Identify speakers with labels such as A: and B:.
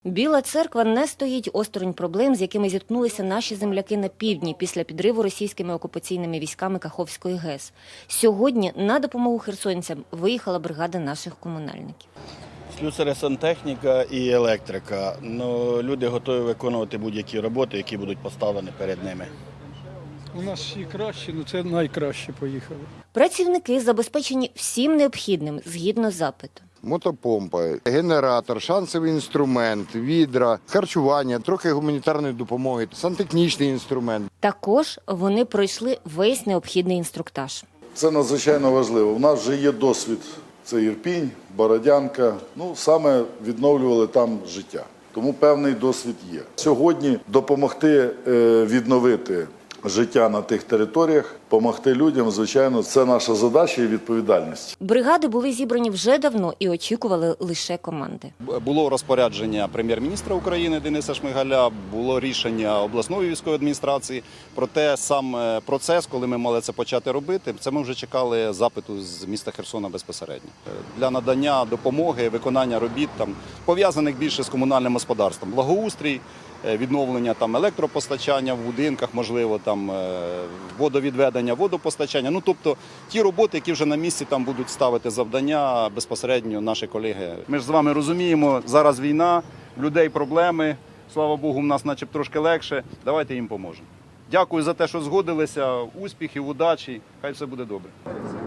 A: Біла Церква не стоїть осторонь проблем, з якими зіткнулися наші земляки на півдні після підриву російськими окупаційними військами Каховської ГЕС. Сьогодні на допомогу херсонцям виїхала бригада наших комунальників.
B: Слюсари, сантехніка і електрика. Люди готові виконувати будь-які роботи, які будуть поставлені перед ними.
C: У нас і краще, це найкраще поїхали.
A: Працівники забезпечені всім необхідним згідно запиту.
D: Мотопомпа, генератор, шансовий інструмент, відра, харчування, трохи гуманітарної допомоги, сантехнічний інструмент.
A: Також вони пройшли весь необхідний інструктаж.
E: Це надзвичайно важливо. У нас вже є досвід. Це Ірпінь, Бородянка. Саме відновлювали там життя. Тому певний досвід є. Сьогодні допомогти відновити життя на тих територіях, допомогти людям, звичайно, це наша задача і відповідальність.
A: Бригади були зібрані вже давно і очікували лише команди.
F: Було розпорядження прем'єр-міністра України Дениса Шмигаля, було рішення обласної військової адміністрації. Проте сам процес, коли ми мали це почати робити, це ми вже чекали запиту з міста Херсона безпосередньо. Для надання допомоги, виконання робіт, пов'язаних більше з комунальним господарством. Благоустрій, відновлення електропостачання в будинках, можливо, водовідведення, водопостачання. Тобто ті роботи, які вже на місці будуть ставити завдання безпосередньо наші колеги. Ми ж з вами розуміємо, зараз війна, людей проблеми, слава Богу, в нас начеб трошки легше, давайте їм поможемо. Дякую за те, що згодилися, успіхів, удачі, хай все буде добре.